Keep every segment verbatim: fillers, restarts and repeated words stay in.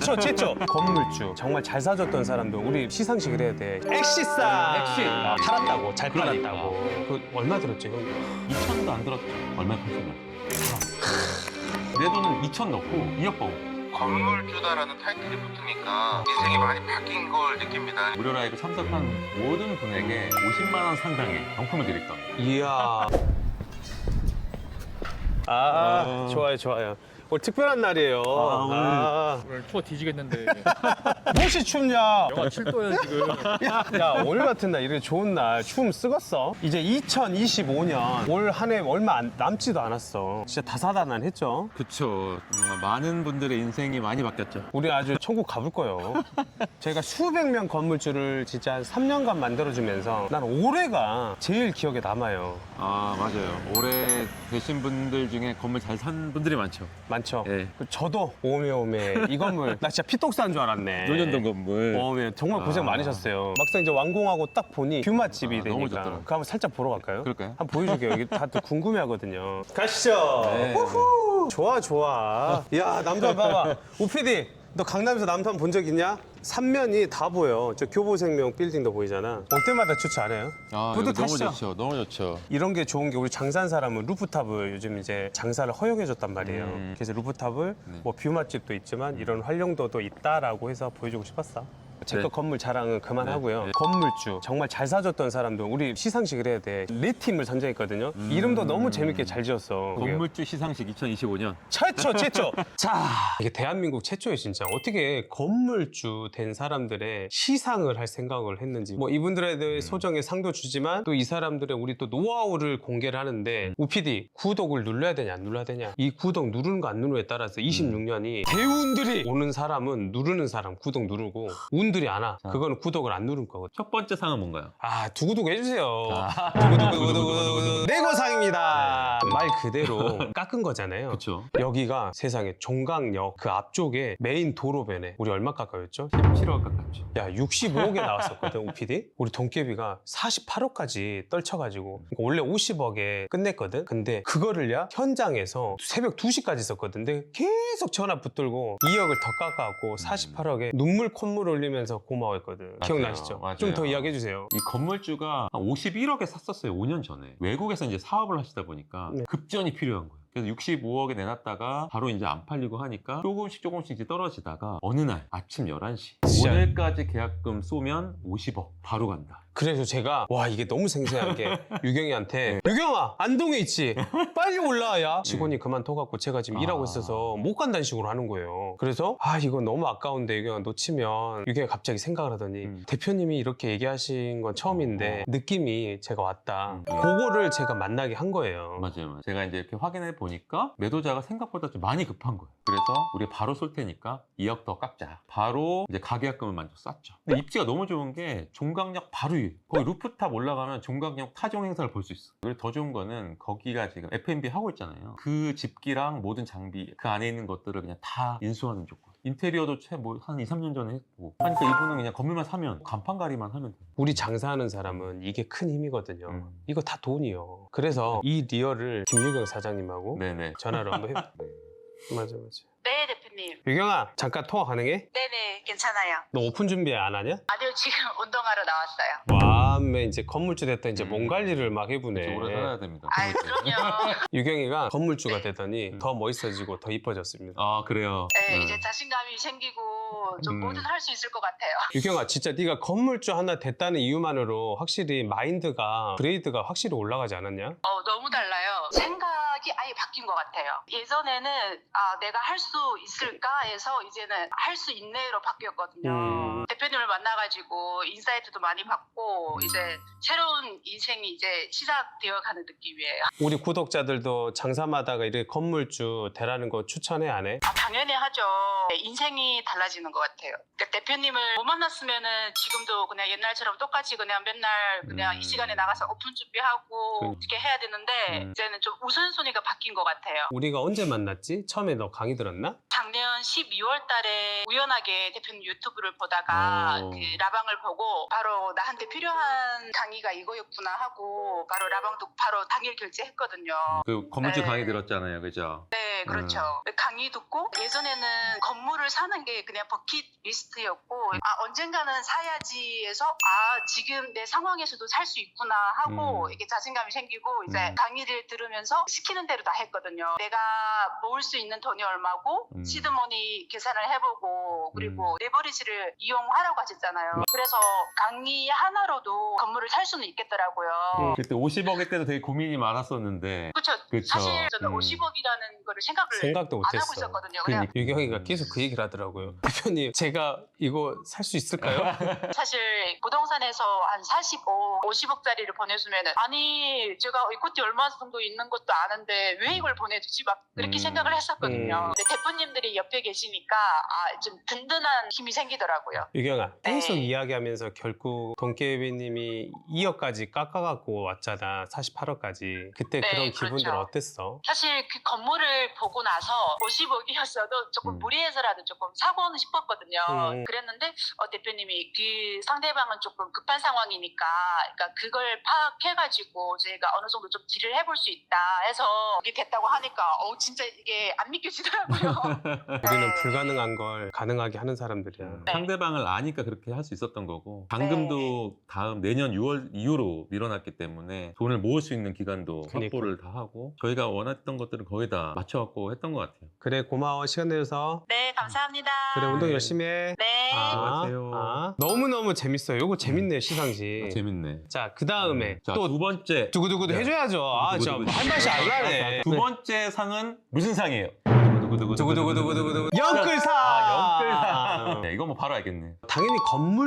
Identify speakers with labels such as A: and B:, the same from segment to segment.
A: 최초 최초 건물주 정말 잘 사줬던 사람도 우리 시상식을 해야 돼. 엑시사
B: 엑시. 아,
A: 팔았다고 잘
B: 그러니까.
A: 팔았다고. 그 얼마 들었지 형?
B: 이천도 안 들었죠. 얼마에 팔았나? 내 돈은 이천 넣고 이억 버고.
C: 건물주다라는 타이틀이 붙으니까 인생이 많이 바뀐 걸 느낍니다.
B: 무료 라이브 참석한 모든 분에게 오십만 원 상당의 경품을 드릴 겁니다.
A: 이야. 아
B: 어.
A: 좋아요 좋아요. 오늘 특별한 날이에요.
B: 아, 오늘.
A: 아,
D: 오늘 추워 뒤지겠는데
A: 무엇이 춥냐?
D: 영하 칠 도야 지금.
A: 야 오늘 같은 날 이렇게 좋은 날 추움 쓰겄어. 이제 이천이십오 년 올 한 해 얼마 안- 남지도 않았어. 진짜 다사다난했죠.
B: 그쵸. 정말 많은 분들의 인생이 많이 바뀌었죠.
A: 우리 아주 천국 가볼 거예요. 저희가 수백 명 건물주를 진짜 한 삼 년간 만들어주면서 난 올해가 제일 기억에 남아요.
B: 아, 맞아요. 올해 되신 분들 중에 건물 잘 산 분들이 많죠.
A: 많죠?
B: 예.
A: 그 저도 오메오메 이 건물 나 진짜 피똥 싼 줄 알았네.
B: 논현동 건물.
A: 오메 정말 고생
B: 아.
A: 많으셨어요. 막상 이제 완공하고 딱 보니 뷰 맛집이
B: 아,
A: 되니까
B: 너무 좋더라고요.
A: 그거 한번 살짝 보러 갈까요?
B: 그럴까요?
A: 한번 보여줄게요. 여기 다들 궁금해하거든요. 가시죠.
B: 네.
A: 후후. 좋아 좋아. 야 남산 봐봐. 오피디 너 강남에서 남산 본 적 있냐? 삼면이 다 보여. 저 교보생명 빌딩도 보이잖아. 올 때마다 좋지 않아요?
B: 아, 이거 너무
A: 뿌듯하시죠?
B: 좋죠. 너무 좋죠.
A: 이런 게 좋은 게 우리 장사한 사람은 루프탑을 요즘 이제 장사를 허용해줬단 말이에요.
B: 음.
A: 그래서 루프탑을
B: 네.
A: 뭐 뷰 맛집도 있지만 이런 활용도도 있다라고 해서 보여주고 싶었어. 제 거
B: 네.
A: 건물 자랑은 그만하고요.
B: 네. 네.
A: 건물주 정말 잘 사줬던 사람도 우리 시상식을 해야 돼. 네 팀을 선정했거든요. 이름도 너무 재밌게 잘 지었어. 그게
B: 음. 건물주 시상식 이천이십오 년.
A: 최초 최초. 자 이게 대한민국 최초에 진짜 어떻게 건물주 된 사람들의 시상을 할 생각을 했는지 뭐 이분들에 대해 소정의 상도 주지만 또 이 사람들의 우리 또 노하우를 공개를 하는데 우피디 구독을 눌러야 되냐 안 눌러야 되냐 이 구독 누르는 거 안 누르에 따라서 이십육 년이 대운들이 오는 사람은 누르는 사람 구독 누르고 운들이 안 와. 그거는 구독을 안 누른 거거든.
B: 첫 번째 상은 뭔가요?
A: 아 두구두구 해주세요. 두구두구두구두구 내고상입니다. 말 그대로 깎은 거잖아요.
B: 그쵸.
A: 여기가 세상에 종강역 그 앞쪽에 메인 도로변에 우리 얼마 깎아였죠?
B: 십칠억 가깝죠.
A: 야 육십오억에 나왔었거든 오피디. 우리 돈깨비가 사십팔억까지 떨쳐가지고 그러니까 원래 오십억에 끝냈거든. 근데 그거를 야 현장에서 새벽 두 시까지 있었거든. 근데 계속 전화 붙들고 이억을 더 깎아갖고 사십팔억에 눈물 콧물 흘리면서 고마워했거든.
B: 맞아요.
A: 기억나시죠?
B: 맞아요.
A: 좀 더 이야기해주세요.
B: 이 건물주가 한 오십일억에 샀었어요. 오 년 전에. 외국에서 이제 사업을 하시다 보니까
A: 네.
B: 급전이 필요한 거예요. 그래서 육십오억에 내놨다가 바로 이제 안 팔리고 하니까 조금씩 조금씩 이제 떨어지다가 어느 날 아침 열한 시
A: 진짜.
B: 오늘까지 계약금 쏘면 오십억 바로 간다.
A: 그래서 제가 와 이게 너무 생생한 게 유경이한테 유경아 안동에 있지 빨리 올라와 야 직원이 그만둬갖고 제가 지금
B: 아.
A: 일하고 있어서 못 간다는 식으로 하는 거예요. 그래서 아 이거 너무 아까운데 유경아 놓치면 유경이 갑자기 생각을 하더니
B: 음.
A: 대표님이 이렇게 얘기하신 건 처음인데 느낌이 제가 왔다.
B: 음.
A: 그거를 제가 만나게 한 거예요.
B: 맞아요, 맞아요. 제가 이제 이렇게 확인해 보니까 매도자가 생각보다 좀 많이 급한 거예요. 그래서 우리 바로 쏠 테니까 이억 더 깎자. 바로 이제 가계약금을 먼저 쐈죠. 근데 입지가 너무 좋은 게 종강역 바로 위에. 거기 루프탑 올라가면 종강역 타종 행사를 볼 수 있어. 그리고 더 좋은 거는 거기가 지금 에프앤비 하고 있잖아요. 그 집기랑 모든 장비, 그 안에 있는 것들을 그냥 다 인수하는 조건. 인테리어도 채 뭐 한 이, 삼 년 전에 했고. 하니까 이분은 그냥 건물만 사면, 간판가리만 하면 돼.
A: 우리 장사하는 사람은 이게 큰 힘이거든요.
B: 음.
A: 이거 다 돈이요. 그래서 이 리얼을 김유경 사장님하고
B: 네네.
A: 전화를 한번 해. 맞아 맞아.
E: 네, 대표님.
A: 유경아 잠깐 통화 가능해?
E: 네네, 괜찮아요.
A: 너 오픈 준비 안 하냐?
E: 아니요, 지금 운동하러 나왔어요.
A: 와매 이제 건물주 됐다 이제
B: 음.
A: 몸 관리를 막 해보네.
B: 오래 살아야 됩니다.
E: 아유, 그럼요.
A: 유경이가 건물주가 되더니 더 멋있어지고 더 이뻐졌습니다.
B: 아, 그래요?
E: 네,
B: 음.
E: 이제 자신감이 생기고 좀
B: 음.
E: 뭐든 할 수 있을 것 같아요.
A: 유경아 진짜 네가 건물주 하나 됐다는 이유만으로 확실히 마인드가 그레이드가 확실히 올라가지 않았냐?
E: 어, 너무 달라요. 생각이 아예 바뀐 것 같아요. 예전에는 아, 내가 할 수 있을까 해서 이제는 할 수 있네로 바뀌었거든요.
A: 음.
E: 대표님을 만나가지고 인사이트도 많이 받고 이제 새로운 인생이 이제 시작되어 가는 느낌이에요.
A: 우리 구독자들도 장사마다가 이렇게 건물주 되라는 거 추천해 안 해?
E: 아, 당연히 하죠. 인생이 달라지는 것 같아요. 그러니까 대표님을 못 만났으면은 지금도 그냥 옛날처럼 똑같이 그냥 맨날 그냥
B: 음.
E: 이 시간에 나가서 오픈 준비하고
A: 그-
E: 어떻게 해야 되는데
B: 음.
E: 이제는 좀 우선순위가 바뀐 것 같아요.
A: 우리가 언제 만났지? 처음에 너 강의 들었나?
E: 작년 십이월 달에 우연하게 대표님 유튜브를 보다가
B: 오.
E: 그 라방을 보고 바로 나한테 필요한 강의가 이거였구나 하고 바로 라방도 바로 당일 결제했거든요.
B: 그 건물주
E: 네.
B: 강의 들었잖아요, 그죠?
E: 네, 그렇죠.
B: 음.
E: 강의 듣고 예전에는 건물을 사는 게 그냥 버킷리스트였고 아 언젠가는 사야지에서 아 지금 내 상황에서도 살 수 있구나 하고
B: 음.
E: 이게 자신감이 생기고 이제
B: 음.
E: 강의를 들으면서 시키는 대로 다 했거든요. 내가 모을 수 있는 돈이 얼마고
B: 음.
E: 시드머니 계산을 해보고 그리고 레버리지를 이용하라고 하셨잖아요. 그래서 강의 하나로도 건물을 살 수는 있겠더라고요.
A: 음.
B: 그때 오십억일 때도 되게 고민이 많았었는데.
E: 그렇죠.
B: 그쵸.
E: 사실 저는
B: 음.
E: 오십억이라는 거를 생각을
A: 생각도
E: 안 하고
A: 못했어.
E: 있었거든요.
B: 그러니까.
E: 그냥
A: 유경이가 계속 그 얘기를 하더라고요. 대표님, 제가 이거 살 수 있을까요?
E: 사실 부동산에서 한 사십오, 오십억짜리를 보내주면은 아니 제가 이코티 얼마 정도 있는 것도 아는데 왜 이걸 보내주지 막 그렇게
B: 음.
E: 생각을 했었거든요.
A: 음.
E: 근데 대표님들이 옆에 계시니까 아, 좀 든든한 힘이 생기더라고요.
A: 유경아, 계속
E: 네.
A: 이야기하면서 결국 돈깨비님이 이억까지 깎아갖고 왔잖아. 사십팔억까지. 그때
E: 네,
A: 그런 기분들
E: 그렇죠.
A: 어땠어?
E: 사실 그 건물을 보고 나서 오십억이었어도 조금
B: 음.
E: 무리해서라도 조금 사고는 싶었거든요.
A: 음.
E: 그랬는데 어, 대표님이 그 상대방은 조금 급한 상황이니까 그러니까 그걸 파악해가지고 저희가 어느 정도 좀 딜을 해볼 수 있다 해서 이게 됐다고 하니까 어 진짜 이게 안 믿겨지더라고요.
A: 우리는
E: 네.
A: 불가능한 걸 가능하게 하는 사람들이야.
B: 음,
E: 네.
B: 상대방을 아니까 그렇게 할 수 있었던 거고 잔금도 다음 내년 유월 이후로 밀어놨기 때문에 돈을 모을 수 있는 기간도
A: 그러니까.
B: 확보를 다 하고 저희가 원했던 것들을 거의 다 맞춰갖고 했던 것 같아요.
A: 그래, 고마워. 시간 내줘서.
E: 네 감사합니다.
A: 그래, 운동
B: 네.
A: 열심히 해.
E: 네.
B: 수고하세요.
A: 아, 너무너무 재밌어요. 요거 재밌네, 시상식.
B: 아, 재밌네.
A: 자, 그 다음에
B: 자,
A: 또
B: 두 번째.
A: 두구두구도
B: 네.
A: 해줘야죠. 아, 저
B: 두구두구.
A: 한 발씩 안 나네.
B: 두 번째 상은 무슨 상이에요?
A: 두구두구두구두구두구. 영끌상!
B: 아, 영끌상. 네, 이거 뭐 바로 알겠네.
A: 당연히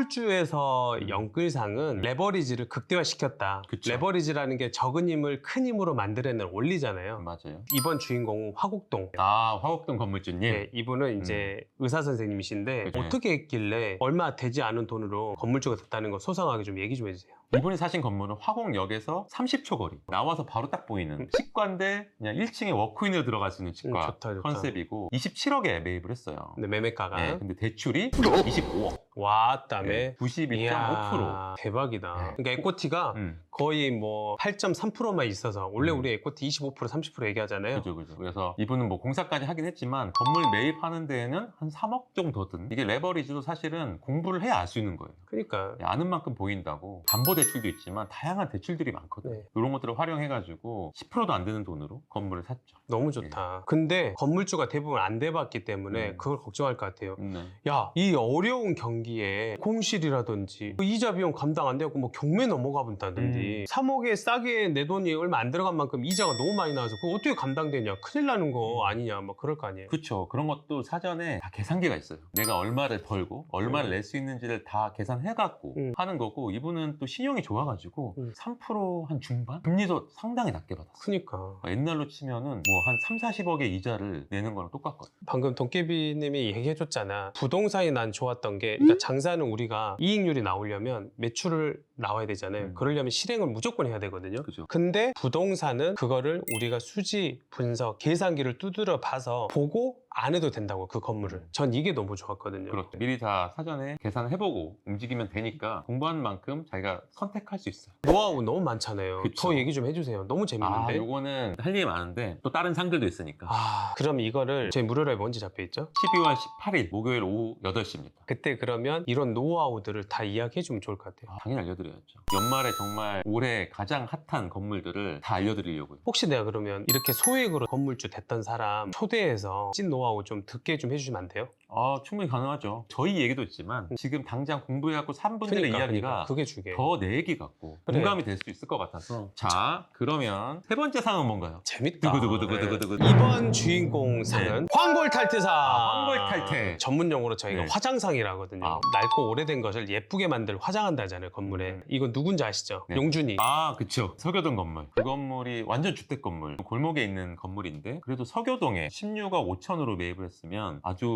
A: 건물주에서 영끌상은 레버리지를 극대화시켰다.
B: 그쵸.
A: 레버리지라는 게 적은 힘을 큰 힘으로 만들어내는 원리잖아요.
B: 맞아요.
A: 이번 주인공은 화곡동.
B: 아, 화곡동 건물주님.
A: 네, 이분은 이제 의사 선생님이신데
B: 그죠.
A: 어떻게 했길래 얼마 되지 않은 돈으로 건물주가 됐다는 거 소상하게 좀 얘기 좀 해주세요.
B: 이분이 사신 건물은 화곡역에서 삼십 초 거리. 나와서 바로 딱 보이는 치과인데 그냥 일 층에 워크인으로 들어갈 수 있는 치과
A: 음, 좋다, 좋다.
B: 컨셉이고 이십칠억에 매입을 했어요.
A: 근데 매매가가
B: 네, 근데 대출이 이십오억.
A: 왔다며.
B: 네, 구십이 점 오 퍼센트.
A: 이야, 대박이다.
B: 네.
A: 그러니까 에코티가
B: 음,
A: 거의 뭐 팔 점 삼 퍼센트만 있어서 원래
B: 음.
A: 우리 에코티 이십오 퍼센트 삼십 퍼센트 얘기하잖아요.
B: 그죠, 그죠. 그래서 이분은 뭐 공사까지 하긴 했지만 건물 매입하는 데에는 한 삼억 정도 든. 이게 레버리지도 사실은 공부를 해야 알 수 있는 거예요.
A: 그러니까
B: 아는 만큼 보인다고. 담보대출도 있지만 다양한 대출들이 많거든요.
A: 네.
B: 이런 것들을 활용해가지고 십 퍼센트도 안 되는 돈으로 건물을 샀죠.
A: 너무 좋다. 근데 건물주가 대부분 안 돼봤기 때문에
B: 음.
A: 그걸 걱정할 것 같아요.
B: 네.
A: 야, 이 어려운 경기에 공실이라든지 뭐 이자 비용 감당 안 되고 뭐 경매 넘어가 본다든지
B: 음.
A: 삼억에 싸게 내 돈이 얼마 안 들어간 만큼 이자가 너무 많이 나와서 그거 어떻게 감당되냐, 큰일 나는 거 아니냐, 뭐 그럴 거 아니에요.
B: 그렇죠. 그런 것도 사전에 다 계산기가 있어요. 내가 얼마를 벌고 얼마를
A: 음.
B: 낼 수 있는지를 다 계산해갖고
A: 음.
B: 하는 거고 이분은 또 신용이 좋아가지고
A: 음.
B: 삼 퍼센트 한 중반? 금리도 상당히 낮게 받았어요.
A: 그니까
B: 옛날로 치면은 뭐 한 삼, 사십억의 이자를 내는 거랑 똑같거든요.
A: 방금 돈깨비님이 얘기해줬잖아. 부동산이 난 좋았던 게, 그러니까 장사는 우리가 이익률이 나오려면 매출을 나와야 되잖아요.
B: 음.
A: 그러려면 실행을 무조건 해야 되거든요.
B: 그죠.
A: 근데 부동산은 그거를 우리가 수지, 분석, 계산기를 두드려 봐서 보고 안 해도 된다고, 그 건물을. 전 이게 너무 좋았거든요.
B: 그렇죠. 미리 다 사전에 계산을 해보고 움직이면 되니까 공부하는 만큼 자기가 선택할 수 있어요.
A: 노하우 너무 많잖아요.
B: 그쵸.
A: 더 얘기 좀 해주세요. 너무
B: 아,
A: 재밌는데.
B: 요거는 할 일이 많은데 또 다른 상들도 있으니까.
A: 아, 그럼 이거를 제 무료라에 뭔지 잡혀있죠?
B: 십이월 십팔일 목요일 오후 여덟 시입니다.
A: 그때 그러면 이런 노하우들을 다 이야기해주면 좋을 것 같아요.
B: 아, 당연히 알려드려야죠. 연말에 정말 올해 가장 핫한 건물들을 다 알려드리려고요.
A: 혹시 내가 그러면 이렇게 소액으로 건물주 됐던 사람 초대해서 찐 노하우 좀 듣게 좀 해주시면 안 돼요?
B: 아, 충분히 가능하죠. 저희 얘기도 있지만 지금 당장 공부해갖고 산 분들의
A: 그러니까,
B: 이야기가
A: 그러니까. 그게 중요해.
B: 더 내 얘기 같고
A: 그래.
B: 공감이 될 수 있을 것 같아서. 자, 그러면 세 번째 상은 뭔가요?
A: 재밌다.
B: 두구두구두구두구두구.
A: 네. 이번 주인공 상은 황골탈퇴상.
B: 아, 황골탈퇴.
A: 전문 용어로 저희가
B: 네.
A: 화장상이라거든요.
B: 아.
A: 낡고 오래된 것을 예쁘게 만들 화장한다 하잖아요, 건물에.
B: 음.
A: 이건 누군지 아시죠?
B: 네.
A: 용준이.
B: 아, 그쵸. 서교동 건물. 그 건물이 완전 주택 건물. 골목에 있는 건물인데 그래도 서교동에 십육억 오천으로 매입을 했으면 아주 소액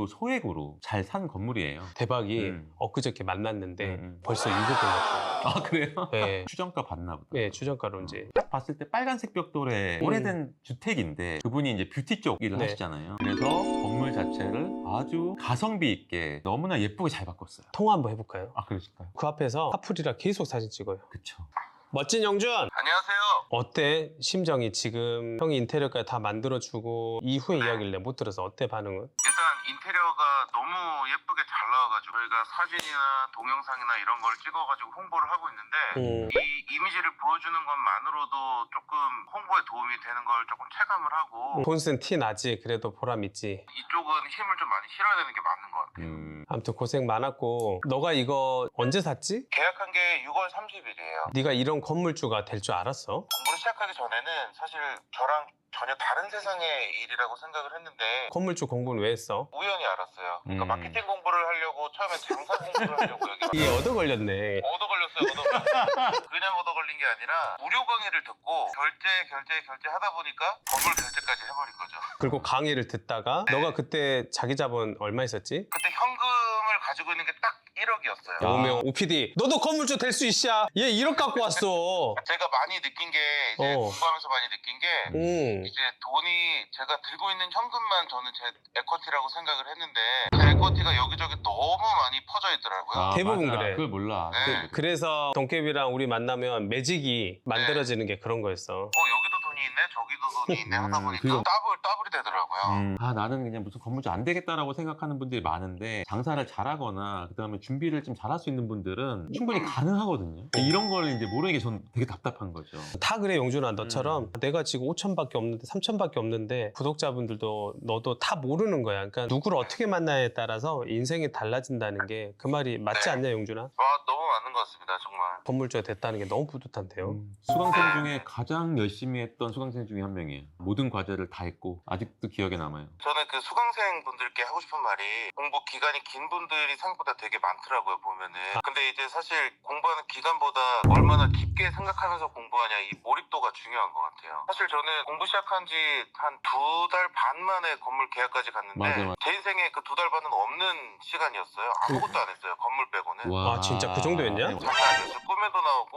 B: 흑백으로 잘 산 건물이에요.
A: 대박이
B: 음.
A: 엊그저께 만났는데
B: 음, 음.
A: 벌써 이억 올랐어요.
B: 아 그래요?
A: 네.
B: 추정가 봤나 보다.
A: 네, 추정가로 이제.
B: 딱 봤을 때 빨간색 벽돌에
A: 음.
B: 오래된 주택인데 그분이 이제 뷰티 쪽 일을
A: 네.
B: 하시잖아요. 그래서 건물 자체를 아주 가성비 있게 너무나 예쁘게 잘 바꿨어요.
A: 통화 한번 해볼까요?
B: 아 그러실까요?
A: 그 앞에서 카풀이랑 계속 사진 찍어요.
B: 그쵸.
A: 멋진 영준!
C: 안녕하세요.
A: 어때? 심정이 지금 형이 인테리어까지 다 만들어주고 이후의
C: 네.
A: 이야기를 못 들어서 어때 반응은?
C: 일단 인테리어가 너무 예쁘게 잘 나와가지고 저희가 사진이나 동영상이나 이런 걸 찍어가지고 홍보를 하고 있는데
A: 음.
C: 이 이미지를 보여주는 것만으로도 조금 홍보에 도움이 되는 걸 조금 체감을 하고
A: 돈 쓴 티 나지. 그래도 보람 있지.
C: 이쪽은 힘을 좀 많이 실어야 되는 게 맞는 것 같아요.
B: 음.
A: 아무튼 고생 많았고 너가 이거 언제 샀지?
C: 계약한 게 유월 삼십일이에요.
A: 네가 이런 건물주가 될 줄 알았어?
C: 공부를 시작하기 전에는 사실 저랑 전혀 다른 세상의 일이라고 생각을 했는데
A: 건물주 공부는 왜 했어?
C: 우연히 알았어요. 그러니까
B: 음.
C: 마케팅 공부를 하려고 처음엔 장사 공부를 하려고 여기
A: 이게 얻어 걸렸네.
C: 얻어 걸렸어요. 얻어 걸렸어요. 그냥 얻어 걸린 게 아니라 무료 강의를 듣고 결제 결제 결제 하다 보니까 건물 결제까지 해버린 거죠.
A: 그리고 강의를 듣다가 너가 그때 자기 자본 얼마 있었지?
C: 그때 현금을 가지고 있는 게 딱 일억이었어요.
B: 아.
A: 오명 오피디 너도 건물주 될 수 있어. 얘 일억 갖고 왔어.
C: 제가 많이 느낀 게 이제
A: 어.
C: 공부하면서 많이 느낀 게
A: 응.
C: 이제 돈이 제가 들고 있는 현금만 저는 제 에쿼티라고 생각을 했는데 제 에쿼티가 여기저기 너무 많이 퍼져 있더라고요.
B: 아,
A: 대부분
B: 맞아.
A: 그래.
B: 그걸 몰라.
C: 네.
A: 그래서 동깨비랑 우리 만나면 매직이 만들어지는 게 그런 거였어.
C: 어 여기도 돈이 있네 저기도 돈이 있네 하다
B: 음,
C: 보니까
B: 그거-
C: 더블 더블이 되더라고요.
B: 음, 아 나는 그냥 무슨 건물주 안 되겠다라고 생각하는 분들이 많은데 장사를 잘하거나 그다음에 준비를 좀 잘할 수 있는 분들은 충분히 가능하거든요. 이런 걸 이제 모르는 게 전 되게 답답한 거죠.
A: 다 그래 용준아 너처럼
B: 음.
A: 내가 지금 오천밖에 없는데 삼천밖에 없는데 구독자분들도 너도 다 모르는 거야. 그러니까 누구를 어떻게 만나에 따라서 인생이 달라진다는 게 그 말이 맞지
C: 네.
A: 않냐 용준아?
C: 와 너무 맞는 것 같습니다 정말.
A: 건물주가 됐다는 게 너무 뿌듯한데요.
B: 음, 수강생 중에 가장 열심히 했던 수강생 중에 한 명이에요. 모든 과제를 다 했고 아직도 기억에 남아요.
C: 저는 그 수강생 분들께 하고 싶은 말이 공부 기간이 긴 분들이 생각보다 되게 많더라고요 보면은. 근데 이제 사실 공부하는 기간보다 얼마나 깊게 생각하면서 공부하냐 이 몰입도가 중요한 것 같아요. 사실 저는 공부 시작한 지 한 두 달 반 만에 건물 계약까지 갔는데
B: 맞아, 맞아.
C: 제 인생에 그 두 달 반은 없는 시간이었어요. 아무것도 안 했어요 건물 빼고는.
B: 와,
A: 아, 진짜 그 정도였냐?
B: 네.
C: 장난 아니었어요. 꿈에도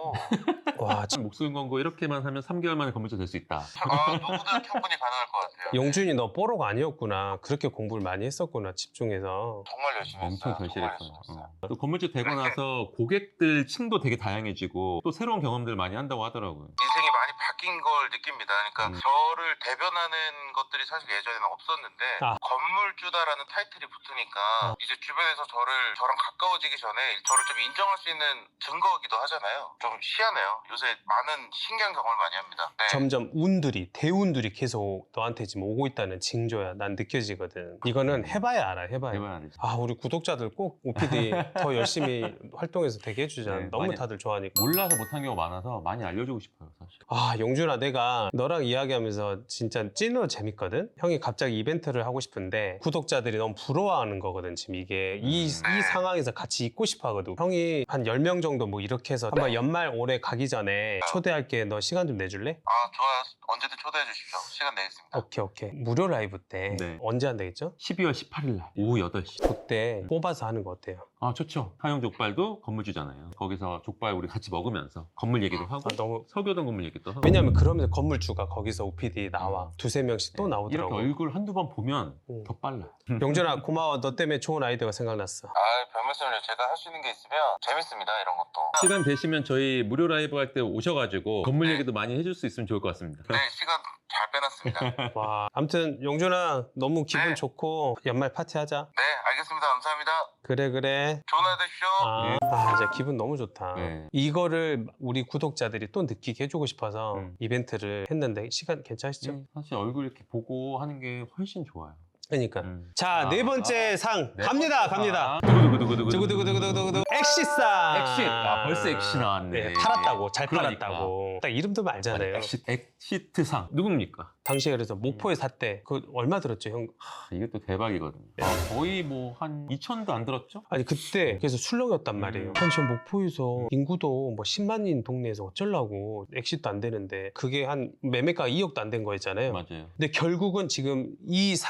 C: 나오고
A: 와 참,
B: 목소리 광고 이렇게만 하면 삼 개월 만에 건물주 될 수 있다.
C: 아, 누구든 충분히 가능할 것 같아요.
A: 용준이 너 뽀로가 아니었구나. 그렇게 공부를 많이 했었구나 집중해서.
C: 정말 열심히
B: 엄청
C: 했어요. 정말 열심히
B: 절실했어요.
C: 했어요.
B: 어. 또 건물주 되고 나서 고객들 층도 되게 다양해지고 또 새로운 경험들 많이 한다고 하더라고요.
C: 인생이 많이 바뀐 걸 느낍니다. 그러니까
B: 음.
C: 저를 대변하는 것들이 사실 예전에는 없었는데
A: 아.
C: 건물주다라는 타이틀이 붙으니까
A: 아.
C: 이제 주변에서 저를 저랑 가까워지기 전에 저를 좀 인정할 수 있는 증거이기도 하잖아요. 좀 희한해요. 요새 많은 신기한 경험을 많이 합니다. 네.
A: 점점 운들이 대운들이 계속 너한테 지금 오고 있다는 징조야. 난 느껴지거든. 이거는 해봐야 알아. 해봐야.
B: 해봐야 되지.
A: 아 우리 구독자들 꼭 오피디 더 열심히 활동해서 되게 해주자.
B: 네,
A: 너무
B: 많이-
A: 다들 좋아하니까.
B: 몰라서 못한 경우가 많아서 많이 알려주고 싶어요, 사실.
A: 아 용준아 내가 너랑 이야기하면서 진짜 찐으로 재밌거든? 형이 갑자기 이벤트를 하고 싶은데 구독자들이 너무 부러워하는 거거든 지금 이게 이,
C: 음.
A: 이 상황에서 같이 있고 싶어 하거든. 형이 한 열 명 정도 뭐 이렇게 해서 한번 연말 올해 가기 전에 초대할게. 너 시간 좀 내줄래?
C: 아 좋아요. 언제든 초대해 주십시오. 시간 내겠습니다.
A: 오케이 오케이. 무료 라이브 때
B: 네.
A: 언제 한다겠죠?
B: 십이월 십팔일 날 오후 여덟 시.
A: 그때 뽑아서 하는 거 어때요?
B: 아, 좋죠. 하영 족발도 건물주잖아요. 거기서 족발 우리 같이 먹으면서 건물 얘기도 하고
A: 아, 너무
B: 서교동 건물 얘기도 하고.
A: 왜냐면 그러면서 건물주가 거기서 오피디 나와. 두세 명씩 또
B: 네,
A: 나오더라고.
B: 이렇게 얼굴 한두 번 보면
A: 음.
B: 더 빨라.
A: 용준아 고마워. 너 때문에 좋은 아이디어가 생각났어.
C: 아 별말씀을요. 제가 할 수 있는 게 있으면 재밌습니다. 이런 것도.
B: 시간 되시면 저희 무료 라이브 할 때 오셔가지고 건물 얘기도 많이 해줄 수 있으면 좋을 것 같습니다.
C: 네 시간 잘 빼놨습니다.
A: 와, 아무튼 용준아 너무 기분
C: 네.
A: 좋고 연말 파티 하자.
C: 네 알겠습니다. 감사합니다.
A: 그래 그래.
C: 좋은 하루 되십시오.
A: 아, 아 진짜 기분 너무 좋다.
B: 네.
A: 이거를 우리 구독자들이 또 느끼게 해주고 싶어서
B: 음.
A: 이벤트를 했는데 시간 괜찮으시죠?
B: 네, 사실 얼굴 이렇게 보고 하는 게 훨씬 좋아요.
A: 그러니까.
B: 음.
A: 자,
B: 아,
A: 네 번째 상
B: 네
A: 갑니다,
B: 번째
A: 갑니다.
B: 상. 두구두구두구두구.
A: 두구두구두구두구두구 엑시상.
B: 엑싯. 아, 벌써 엑시 나왔네.
A: 네, 팔았다고, 잘
B: 그러니까.
A: 팔았다고. 딱 이름 들면 알잖아요.
B: 엑시, 엑시트상 누굽니까?
A: 당시에 그래서 목포에 샀대. 그 얼마 들었죠, 형?
B: 하, 이게 또 대박이거든요. 아, 거의 뭐 한 이천도 안 들었죠?
A: 아니 그때 그래서 술렁이었단 말이에요.
B: 음.
A: 아니 저 목포에서 인구도 뭐 십만인 동네에서 어쩌려고 엑시트도 안 되는데 그게 한 매매가 이억도 안 된 거였잖아요.
B: 맞아요.
A: 근데 결국은 지금 이 상의 이름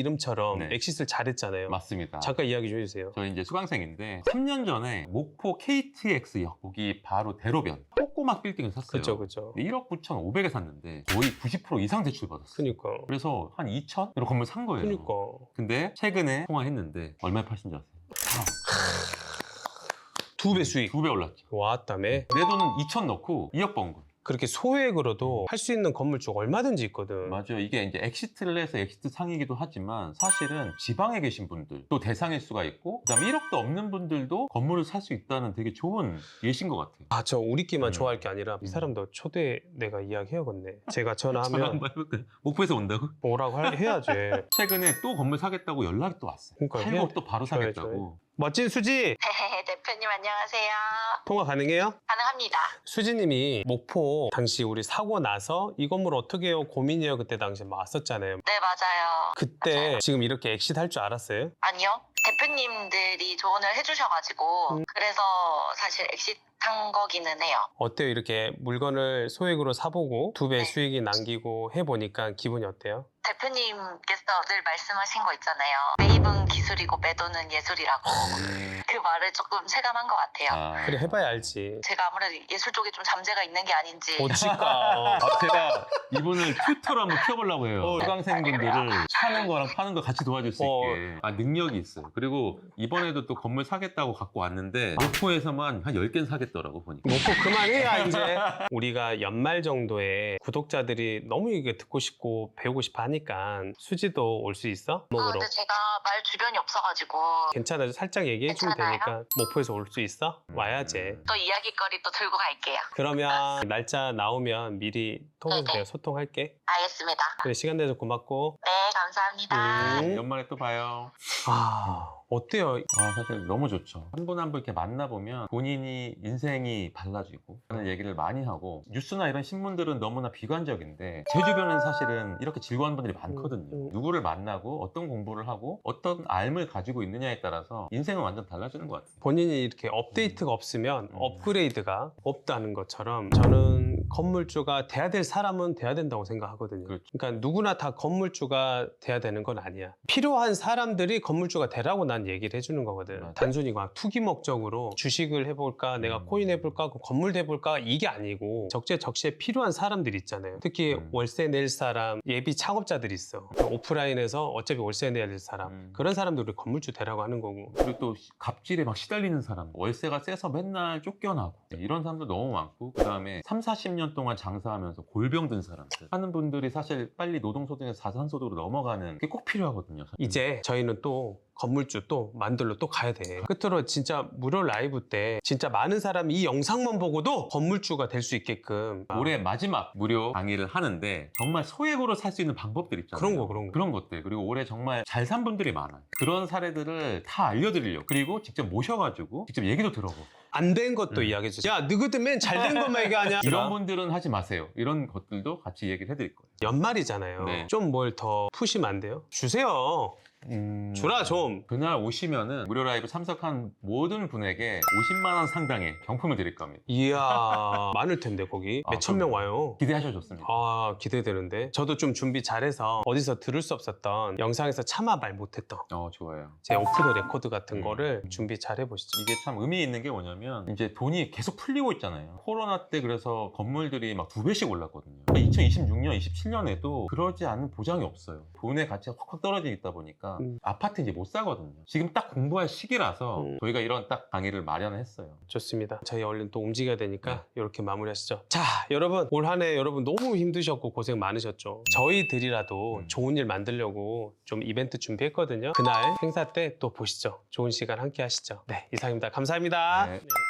A: 이름처럼
B: 네.
A: 엑싯을 잘했잖아요.
B: 맞습니다.
A: 잠깐 이야기 좀 해주세요.
B: 저 이제 수강생인데 삼 년 전에 목포 케이티엑스역 거기 바로 대로변 꼬꼬막 빌딩을 샀어요.
A: 그렇죠, 그렇죠.
B: 일억 구천오백에 샀는데 거의 구십 퍼센트 이상 대출 받았어요.
A: 그니까.
B: 그래서 한 이천으로 건물 산 거예요.
A: 그니까.
B: 근데 최근에 통화했는데 얼마에 파신 줄 아세요?
A: 두 배 수익.
B: 두 배 올랐죠.
A: 왔다며.
B: 내 돈은 이천 넣고 이억 번 거.
A: 그렇게 소액으로도 할 수 있는 건물주가 얼마든지 있거든.
B: 맞아요. 이게 이제 엑시트를 해서 엑시트 상이기도 하지만 사실은 지방에 계신 분들 또 대상일 수가 있고 그다음에 일억도 없는 분들도 건물을 살 수 있다는 되게 좋은 예신 것 같아요.
A: 아, 저 우리끼만
B: 음.
A: 좋아할 게 아니라 이 사람도 초대 내가 이야기해야겠네. 제가
B: 전화
A: 전화하면
B: 한번 해볼까요? 목포에서 온다고?
A: 오라고 할- 해야지.
B: 최근에 또 건물 사겠다고 연락이 또 왔어요.
A: 그러니까
B: 팔고
A: 해야-
B: 또 바로
A: 줘야죠.
B: 사겠다고.
A: 멋진 수지
E: 대표님 안녕하세요.
A: 통화 가능해요?
E: 가능합니다.
A: 수지님이 목포 당시 우리 사고 나서 이 건물 어떻게 해요 고민이에요 그때 당시 막 왔었잖아요.
E: 네 맞아요.
A: 그때
E: 맞아요.
A: 지금 이렇게 엑싯 할 줄 알았어요?
E: 아니요. 대표님들이 조언을 해주셔가지고
A: 음.
E: 그래서 사실 엑시트한 거기는 해요.
A: 어때요? 이렇게 물건을 소액으로 사보고 두 배
E: 네.
A: 수익이 남기고 해보니까 기분이 어때요?
E: 대표님께서 늘 말씀하신 거 있잖아요. 매입은 기술이고 매도는 예술이라고. 그 말을 조금 체감한 것 같아요.
B: 아.
A: 그래 해봐야 알지.
E: 제가 아무래도 예술 쪽에 좀 잠재가 있는 게 아닌지.
A: 어찌까.
B: 아, 제가 이분을 튜터로 한번 키워보려고 해요.
A: 어.
B: 수강생분들을 사는 거랑 파는 거 같이 도와줄 수
A: 어.
B: 있게. 아, 능력이 있어요. 그리고 이번에도 또 건물 사겠다고 갖고 왔는데 목포에서만 한 열 개는 사겠더라고 보니까.
A: 먹고 그만해야 이제. 우리가 연말 정도에 구독자들이 너무 이게 듣고 싶고 배우고 싶어 하니까 수지도 올 수 있어?
E: 아,
A: 먹으러.
E: 근데 제가 말 주변이 없어가지고
A: 괜찮아요. 살짝 얘기해 주면
E: 괜찮아요?
A: 되니까 목포에서 올 수 있어?
B: 음.
A: 와야지.
E: 또 이야기거리 또 들고 갈게요.
A: 그러면 날짜 나오면 미리 통해서
E: 네네.
A: 내가 소통할게.
E: 알겠습니다.
A: 그래 시간 내서 고맙고.
E: 네, 감사합니다.
A: 음.
B: 연말에 또 봐요.
A: 아 어때요?
B: 아, 사실 너무 좋죠. 한 분 한 분 이렇게 만나보면 본인이 인생이 달라지고 하는 얘기를 많이 하고 뉴스나 이런 신문들은 너무나 비관적인데 제 주변에는 사실은 이렇게 즐거운 분들이 많거든요.
A: 음, 음.
B: 누구를 만나고 어떤 공부를 하고 어떤 알을 가지고 있느냐에 따라서 인생은 완전 달라지는 것 같아요.
A: 본인이 이렇게 업데이트가 없으면
B: 음.
A: 업그레이드가 없다는 것처럼 저는 건물주가 돼야 될 사람은 돼야 된다고 생각하거든요.
B: 그렇죠.
A: 그러니까 누구나 다 건물주가 돼야 되는 건 아니야. 필요한 사람들이 건물주가 되라고 난 얘기를 해주는 거거든.
B: 맞아.
A: 단순히 막 투기 목적으로 주식을 해볼까, 내가
B: 음.
A: 코인 해볼까, 건물 해볼까 이게 아니고 적재적시에 필요한 사람들이 있잖아요. 특히
B: 음.
A: 월세 낼 사람, 예비 창업자들이 있어. 오프라인에서 어차피 월세 내야 될 사람.
B: 음.
A: 그런 사람들을 건물주 되라고 하는 거고.
B: 그리고 또 갑질에 막 시달리는 사람, 월세가 세서 맨날 쫓겨나고 네, 이런 사람들 너무 많고 그 다음에 삼, 사십 년 동안 장사하면서 골병 든 사람들 하는 분들이 사실 빨리 노동소득에서 자산소득으로 넘어가는 게 꼭 필요하거든요.
A: 이제 저희는 또 건물주 또 만들러 또 가야 돼. 끝으로 진짜 무료 라이브 때 진짜 많은 사람이 이 영상만 보고도 건물주가 될 수 있게끔
B: 올해 마지막 무료 강의를 하는데 정말 소액으로 살 수 있는 방법들 있잖아요.
A: 그런 거, 그런 거.
B: 그런 것들. 그리고 올해 정말 잘 산 분들이 많아요. 그런 사례들을 다 알려드리려고. 그리고 직접 모셔가지고 직접 얘기도 들어보고.
A: 안 된 것도
B: 음.
A: 이야기해 주세요. 야, 너희들 맨 잘 된 것만 얘기하냐?
B: 이런 분들은 하지 마세요. 이런 것들도 같이 얘기를 해드릴 거예요.
A: 연말이잖아요.
B: 네.
A: 좀 뭘 더 푸시면 안 돼요? 주세요.
B: 음...
A: 주라 좀.
B: 그날 오시면은 무료 라이브 참석한 모든 분에게 오십만 원 상당의 경품을 드릴 겁니다.
A: 이야 많을 텐데 거기
B: 아,
A: 몇천 명
B: 그럼요.
A: 와요.
B: 기대하셔도 좋습니다.
A: 아 기대되는데 저도 좀 준비 잘해서 어디서 들을 수 없었던 영상에서 차마 말 못했던
B: 어, 좋아요.
A: 제 오프 더 레코드 같은
B: 음.
A: 거를 준비 잘 해보시죠.
B: 이게 참 의미 있는 게 뭐냐면 이제 돈이 계속 풀리고 있잖아요. 코로나 때 그래서 건물들이 막 두 배씩 올랐거든요. 이천이십육 년, 이십칠 년에도 그러지 않은 보장이 없어요. 돈의 가치가 확확 떨어져 있다 보니까
A: 음.
B: 아파트 이제 못 사거든요. 지금 딱 공부할 시기라서
A: 음.
B: 저희가 이런 딱 강의를 마련했어요.
A: 좋습니다. 저희 얼른 또 움직여야 되니까
B: 네.
A: 이렇게 마무리하시죠. 자, 여러분 올 한 해 여러분 너무 힘드셨고 고생 많으셨죠. 저희들이라도
B: 음.
A: 좋은 일 만들려고 좀 이벤트 준비했거든요. 그날 행사 때 또 보시죠. 좋은 시간 함께 하시죠. 네, 이상입니다. 감사합니다.
B: 네.
A: 네.